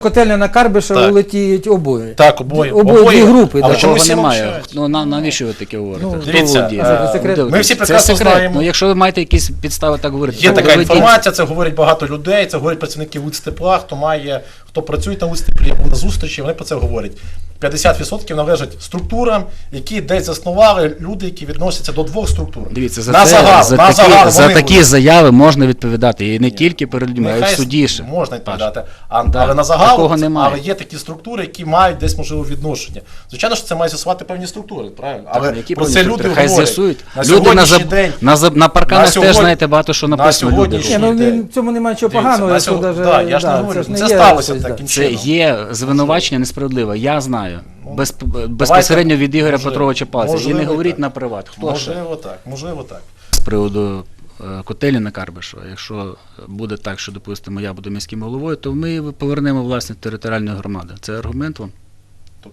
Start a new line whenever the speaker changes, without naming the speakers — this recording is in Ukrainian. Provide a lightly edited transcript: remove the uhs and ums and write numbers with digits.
Котельня на Карбишева
Так.
летіють обоє.
Так, обоє.
Дві групи.
Але
так.
чому
Такого
всі
немає.
мовчать?
Ну, навіщо ви таке говорите?
Ну,
Хто
дивіться,
володіє?
це секрет.
Де-
Ми всі
це
прекрасно
секрет.
знаємо.
Ну, якщо ви маєте якісь підстави так говорити,
Є
то
така
доведіть.
інформація, це говорить багато людей, це говорять працівники Луцтепла, хто працює на Луцтеплі, був на зустрічі, вони про це говорять. 50% належать структурам, які десь заснували люди, які відносяться до двох структур.
Дивіться,
на загал,
за такі заяви можна відповідати. І не тільки перед людьми, а й в
Нехай
суді ще.
можна відповідати.
Да,
Але на
такого
загал,
немає.
але є такі структури, які мають десь можливо відношення. Звичайно, що це має з'ясувати певні структури, правильно? Але
Які
про це
певні
люди
структури? Хай
говорять.
з'ясують.
На
Люди
сьогоднішній день
на парканах теж,
сьогодні-
знаєте, багато що написано. Люди
сьогоднішній
Ні,
роблять.
ну
день.
в цьому немає чого
Дивіться,
поганого,
на
якщо
сьогодні-
даже,
да, я ж не говорю,
це ж не
це
є
сталося
щось,
таким
Це
чином.
є звинувачення несправедливе, я знаю. Безпосередньо від Ігоря
можливо,
Петровича Палиця. І
можливо,
не
і
говоріть
так.
на приват. Хто ще?
Можливо так, можливо так.
З приводу котелі на Карбишева, якщо буде так, що, допустимо, я буду міським головою, то ми повернемо власність територіальної громади. Це аргумент вам?